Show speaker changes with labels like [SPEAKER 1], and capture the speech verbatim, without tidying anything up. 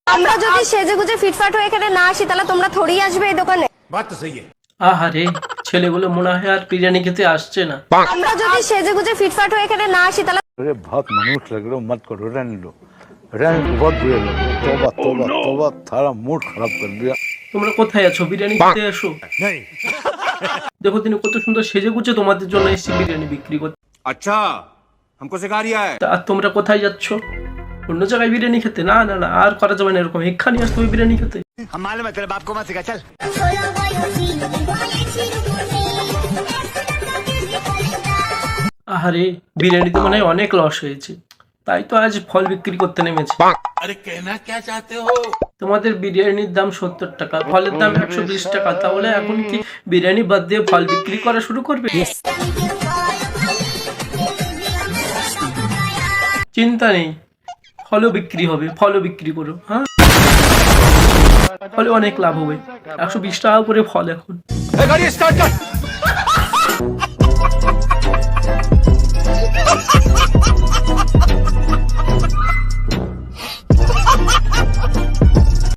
[SPEAKER 1] আমরা যদি সেজেগুজে ফিটফাট হয়ে এখানে না আসি তাহলে তোমরা থোড়ি আসবে এই দোকানে।
[SPEAKER 2] बात तो सही है।
[SPEAKER 3] আহারে ছেলেগুলো মনে হয় আর বিরিয়ানি খেতে আসছে না।
[SPEAKER 1] আমরা যদি সেজেগুজে ফিটফাট হয়ে এখানে না আসি তাহলে
[SPEAKER 4] अरे बहुत मनुष्य लग रहे हो, मत करो, रहने लो, रहने दो, बहुत बुरे लग रहे हो। तौबा तौबा तौबा, थारा मूड खराब कर दिया।
[SPEAKER 3] তোমরা কোথায় আছো? বিরিয়ানি খেতে এসো।
[SPEAKER 2] नहीं।
[SPEAKER 3] দেখো তিনি কত সুন্দর সেজে গুছে তোমাদের জন্য এসেছি বিরিয়ানি বিক্রি করতে।
[SPEAKER 2] अच्छा हमको सिखा रिया है।
[SPEAKER 3] তা আর তোমরা কোথায় যাচ্ছ? অন্য জায়গায় বিরিয়ানি খেতে? না না না, আর করা যাবে না এরকম। এখানে আসতে হবে বিরিয়ানি খেতে।
[SPEAKER 2] हम मालूम है तेरे बाप को मत सिखा, चल।
[SPEAKER 3] আহারে বিরিয়ানিতে মনে হয় অনেক লস হয়েছে, তাই তো আজ ফল বিক্রি করতে নেমেছে।
[SPEAKER 2] अरे कहना क्या चाहते हो?
[SPEAKER 3] তোমাদের বিরিয়ানির দাম সত্তর টাকা, ফলের দাম একশো বিশ টাকা, তাহলে এখন কি বিরিয়ানি বাদ দিয়ে ফল বিক্রি করা শুরু করবে? চিন্তা নেই, ফলও বিক্রি হবে, ফলও বিক্রি করো। হ্যাঁ, ফলে অনেক লাভ হবে। একশো বিশ টাকা করে ফল এখন।
[SPEAKER 2] गाड़ी स्टार्ट कर।